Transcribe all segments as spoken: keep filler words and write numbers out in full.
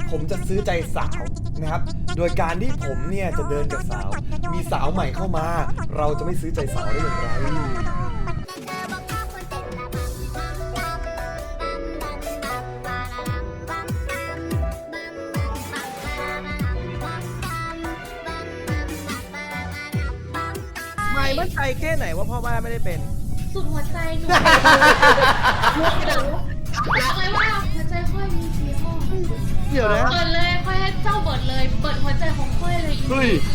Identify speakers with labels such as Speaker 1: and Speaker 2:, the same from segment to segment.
Speaker 1: ผมจะซื้อใจสาวนะครับโดยการที่ผมเนี่ยจะเดินกับสาวมีสาวใหม่เข้ามาเราจะไม่ซื้อใจสาวได้อย่างไร
Speaker 2: ไม่มั่นใจแค่ไหนว่าพ่อบ้านไม่ได้เป็น
Speaker 3: สุดหัวใจหนูบอกเลยว่าหัวใจค่อยมีสีห้อง
Speaker 2: เดี๋ยวนะ
Speaker 3: เปิดเลยค่อยให้เจ้าเปิดเลยเปิดหัวใจของค่อยเลยอีก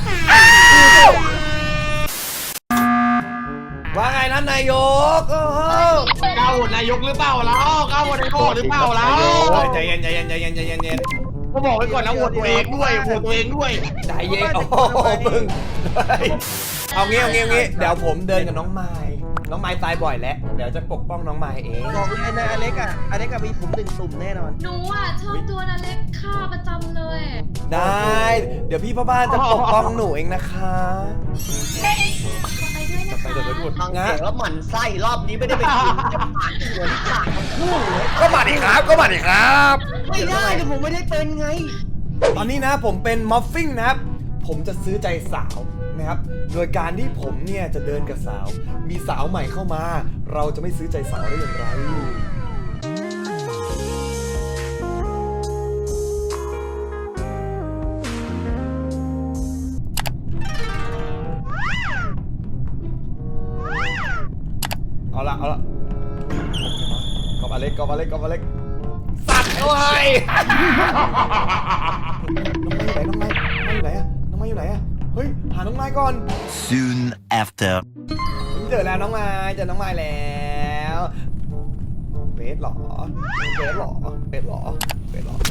Speaker 1: ว่าไงนั้นนายกโอ้โห
Speaker 4: ก้าวโหวตนายกหรือเปล่าแล้วก้าวโหวตนายกหรือเปล่าแล้ว
Speaker 1: ใจเย็นใจเย็นใจเย็นใจเย็นใจเย็น
Speaker 4: ก็บอกไว้ก่อนนะโหวตตัวเองด้วยโหวตตัวเองด้วย
Speaker 1: ใจเย็นโอ้โหมึงเอางี้เอางี้เอางี้เดี๋ยวผมเดินกับน้องไม้น้องไม้ตายบ่อยแล้วเดี๋ยวจะปกป้องน้องไม้เอง
Speaker 2: บอกเลยนะอเล็กอ่ะอเล็กกับมีผมหนึ่งตุ่มแน่นอน
Speaker 3: หนูอ่ะชอบตัวนั้นเล็กฆ่าประจำเลย
Speaker 1: ได้เดี๋ยวพี่พ่อบ้านจะปกป้องหนูเองนะคะ
Speaker 3: ไปด้วยนะคะ
Speaker 1: เดี๋ยวไปดู
Speaker 5: ฟังเสียงแล้วหมั่นไส้รอบนี้ไม่ได้ไปกินจะผ่านหัวที่ขาดทั้งคู่เลย
Speaker 1: ก็มาดิครับก็มาดิครับ
Speaker 5: ไม่ได้แต่ผมไม่ได้เป็นไง
Speaker 1: ตอนนี้นะผมเป็นมอฟฟิ้งนะครับผมจะซื้อใจสาวนะครับโดยการที่ผมเนี่ยจะเดินกับสาวมีสาวใหม่เข้ามาเราจะไม่ซื้อใจสาวได้อย่างไรเอาละเอาละกอบอเล็กกอบอเล็กกอบอเล็กสัตว์เอาไว้น้องไม้อยู่ไหนน้องไม้อยู่ไหนอะน้องไม้อยู่ไหนอะเฮ้ยหาน้องไม้ก่อน
Speaker 6: Soon after
Speaker 1: เจอแล้วน้องไม้เจอน้องไม้แล้วเบสหรอเบสหรอเบสหรอเบสหรอ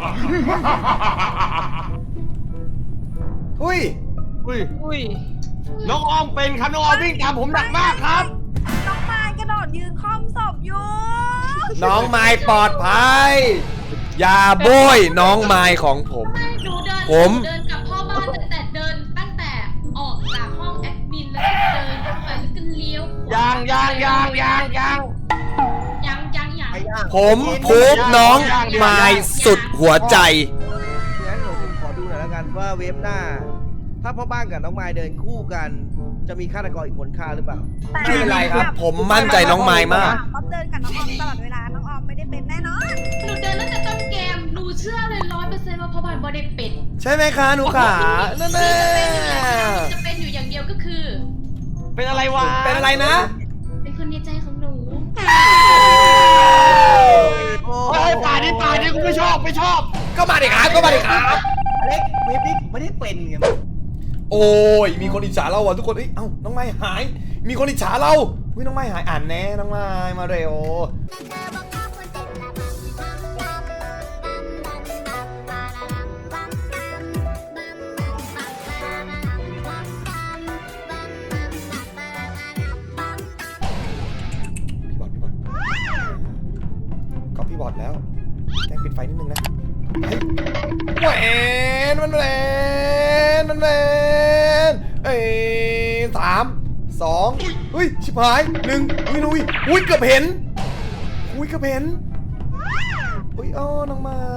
Speaker 1: หุ้ย
Speaker 4: อุ้ยอุ้ยน้องออมเป็นครับน้องออมวิ่งตามผมหนักมากครับ
Speaker 7: น้องไม้กระโดดยืนค่อมศพอยู่
Speaker 1: น้องไม้ปลอดภัยอย่าโบยน้องไม้ของผม
Speaker 3: หนูเดิน
Speaker 1: ผม
Speaker 3: เดินกับพ่อบ้านตั้งแต่เดินตั้งแต่ออกจากห้องแอดมินแล้วก็เดินเข้าไปแล้วก็เลี้ยว
Speaker 4: ยางยางยางยางยาง
Speaker 3: ยังยังยัง
Speaker 1: ผมพูบน้องไม้สุดหัวใจ
Speaker 2: งั้นผมขอดูหน่อยแล้วกันว่าเวฟหน้าถ้าพ่อบ้านกับน้องไม้เดินคู่กันจะมีฆาตกรอีกคนฆ่าหรือเปล่า
Speaker 1: ไม่เป็นไรครับผมมั่นใจน้องไม้มาก
Speaker 7: ป๊อปเดินกับน้องออมตลอดเวลาน้องออมไม่ได้เป็นแน่นอน
Speaker 3: หนูเดินตั้งแต่ต้นเกมหนูเชื่อเลยร้อยเปอร์เซ็นต์ว่าพ่อบ้านบอได้เป็น
Speaker 1: ใช่ไหมคะหนูขานั่นแหละ
Speaker 3: จะเป็นอยู่อย่างเดียวก็คือ
Speaker 4: เป็นอะไรวะ
Speaker 1: เป็นอะไรนะ
Speaker 3: เป็นคนในใจของหนู
Speaker 4: โอ้ยป่านี้ป่านี้กูไม่ชอบไม่ชอบ
Speaker 1: ก็มาดิครับก็มาดิครับ
Speaker 5: อเล็กเวฟนี้ไม่ได้เป็นไง
Speaker 1: โอ้ยมีคนอิจฉาเราอ่ะทุกคนเอ้ยเอ้าน้องไม้หายมีคนอิจฉาเราเฮ้ยน้องไม้หายอ่านแน่น้องไม้มาเร็วพี่บอดพี่บอดก็พี่บอดแล้วแจ้งปิดไฟนิดนึงนะแหวนมันแหวนมันแหวนเอ้ยสามสองเฮ้ยชิบหายหนึ่งอุ้ยนุ้ยอุ้ยเกือบเห็นอุ้ยเกือบเห็นอุ้ยอ้อน้องไม้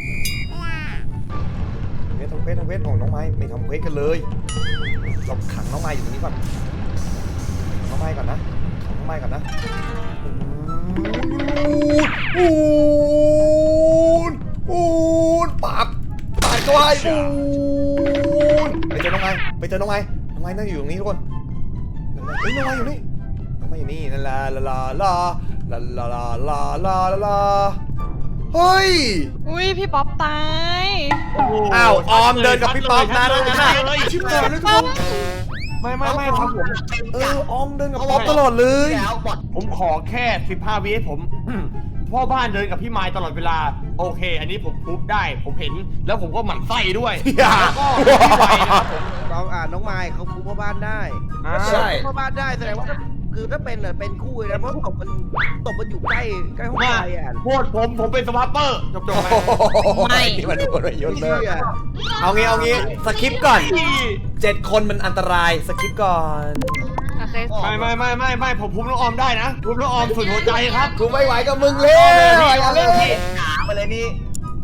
Speaker 1: เควสทำเควสทำเควสของน้องไม้ไม่ทำเควสกันเลยเราขังน้องไม้อยู่ตรงนี้ก่อนน้องไม้ก่อนนะขังน้องไม้ก่อนนะอูนอูนปับปาดก็ไอ้อูนไปเจอน้องไม้ไปเจอน้องไม้น้องไม้นั่งอยู่ตรงนี้ทุกคนเฮ้ยน้องไม้อยู่นี่น้องไม้อยู่นี่ลาลาลาลาลาลาลาลาลาลาเฮ้ย
Speaker 8: อุ้ยพี่ป๊อปตาย
Speaker 1: อ้าวออมเดินกับพี่ป๊อปนะนั่นน่ะชิบหายเลยทุกคน
Speaker 4: ไม่ไม่ไม่ครับผม
Speaker 1: เออออมเดินกับป๊อปตลอดเลย
Speaker 4: ผมขอแค่สิบห้าวิผมพ่อบ้านเดินกับพี่ไม้ตลอดเวลาโอเคอันนี้ผมพูดได้ผมเห็นแล้วผมก็หมั่นไส้ด้วยแล้วก็พี่ไม้นะครับผม
Speaker 2: น้องอ่าน้องไม้เขาคู่พ่อบ้านได้
Speaker 1: ใช่
Speaker 2: พ่อบ้านได้แสดงว่าคือถ้าเป็นเป็นคู่เลยนะเพราะตบมันตบมันอยู่ใกล้ใกล้ห้องไฟอ่ะ
Speaker 4: โทษผมผมเป็นสวาปเปอร์จบจบ
Speaker 1: ไม่ที่มันโดนยศเลยเอางี้เอางี้สคริปต์ก่อนเจ็ดคนมันอันตรายสคริปต์ก่อน
Speaker 4: ไม่ไม่ไม่ไม่ไม่ผมพูดน้องออมได้นะพูดน้องออมสุดหัวใจครับ
Speaker 1: กูไม่ไหวกับมึงเลย
Speaker 5: เอาเลยพี่หาไปเลยนี่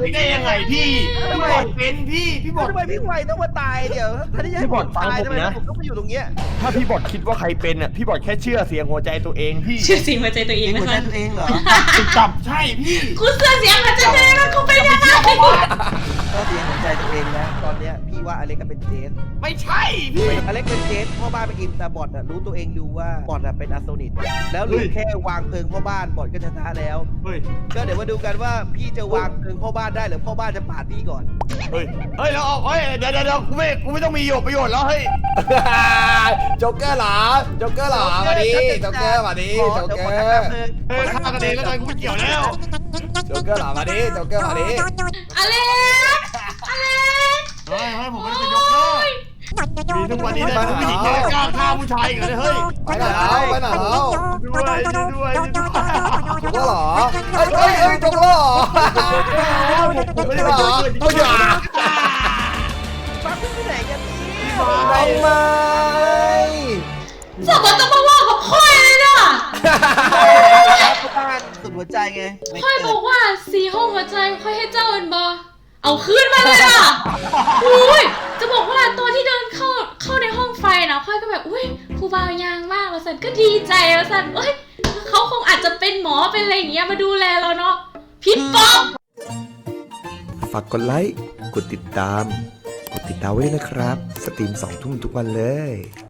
Speaker 4: นี้ได้ยังไงพี่พี่บอดเป็นพี่พี่บอด
Speaker 2: ทำไมพี่ไวต้องมาตายเดี๋ยวถ้าที่จะให้
Speaker 4: พี่บอด
Speaker 2: ผมตาย
Speaker 4: ฟังผม
Speaker 2: ทำไม
Speaker 4: นะ
Speaker 2: ผมต้องมาอยู่ตรงเนี้ย
Speaker 4: ถ้าพี่บอดคิดว่าใครเป็นอ่ะพี่บอดแค่เชื่อเสียงหัวใจตัวเองพี่
Speaker 3: ชื่อเสียงหัวใจตัวเอง
Speaker 5: หั
Speaker 3: นะ
Speaker 5: วใจ
Speaker 3: คะ
Speaker 5: ตัวเองเหรอ
Speaker 4: จับใช่พี่
Speaker 3: กูเสื้อเสียงหัวใจตัวเองแล้วกูเป็นยังไง
Speaker 2: ถ้าเสียงหัวใจตัวเองนะตอนเนี้ยพี่ว่าอเล็กก็เป็นเจส
Speaker 4: ไม่ใช่พี่
Speaker 2: อเล็กเป็นเจสพ่อบ้านเป็นอิมแต่บอดอะรู้ตัวเองอยู่ว่าบอดอะเป็นอาโซนิตแล้วเหลือแค่วางเพลิงพ่อบ้านบอดก็ชนะแล้ว
Speaker 4: เฮ้ย
Speaker 2: ก็เดี๋ยวมาดูกันว่าพี่จะวางเพลิงพ่อบ้านได้หรือพ่อบ้านจะปาดพี่ก่อน
Speaker 4: เฮ้ยเฮ้ยแล้วเอาเฮ้ยเดี๋ยวเดี๋ยวเดี๋ยวกูไม่กูไม่ต้องมีประโยชน์แล้วเฮ้ย
Speaker 1: โจ๊กเกอร์เหรอโจ๊กเกอร์เหรอมาดิโจ๊กเกอร์มาดิ
Speaker 2: ขอ
Speaker 1: โจ๊ก
Speaker 2: เดี๋ยว
Speaker 1: เก
Speaker 2: ข
Speaker 1: อ
Speaker 2: อ
Speaker 1: ร์
Speaker 2: ทำเพลิง
Speaker 4: เฮ้ยฆ่ากันเองแล้วกันกูไม่เกี่ยวแล้ว
Speaker 1: โจ๊กเกอร์เหรอมาดิโจ๊กเกอร์มาดิ
Speaker 3: อเล็กอเล็ก
Speaker 4: เฮ้ยเฮ้ยผมไม่ได้เป็นยกเลิกมีทุกวันนี้นะผู้หญิงเนี่ยกล้าฆ่าผู้ชายอีกเลยเฮ้ย
Speaker 1: ไปไหนแล้วไปไหนแล้ว
Speaker 4: ด้วยด้วยด้วย
Speaker 1: โจ๊กเกอร์เหรอเอ้ยเอ้ยเอ้ยโจ๊กเกอร์เหรอ
Speaker 4: ผมไม่ได้เป็นยกเลิก
Speaker 1: เอ้ยอย่า
Speaker 2: ปั๊บขึ้นไปไหนกันนี่
Speaker 1: ทำไม
Speaker 3: สมมติต้องมาว่ากับพ่อยเลยเนาะ
Speaker 2: พ่อบ้านสุดหัวใจไง
Speaker 3: พ่อยบอกว่าสีห้องหัวใจค่อยให้เจ้าเอ็นบอเอาคืนมาเลยอ่ะอุ้ยจะบอกว่าตอนที่เดินเข้าเข้าในห้องไฟนะค่อยก็แบบอุ้ยครูบาวยางมากแล้วสันก็ดีใจแล้วสันเอ้ยเขาคงอาจจะเป็นหมอเป็นอะไรอย่างเงี้ยมาดูแลเราเนาะพิษป๊อก
Speaker 1: ฝากกดไลค์กดติดตามกดติดดาวไว้ด้วยนะครับสตรีมสองทุ่มทุกวันเลย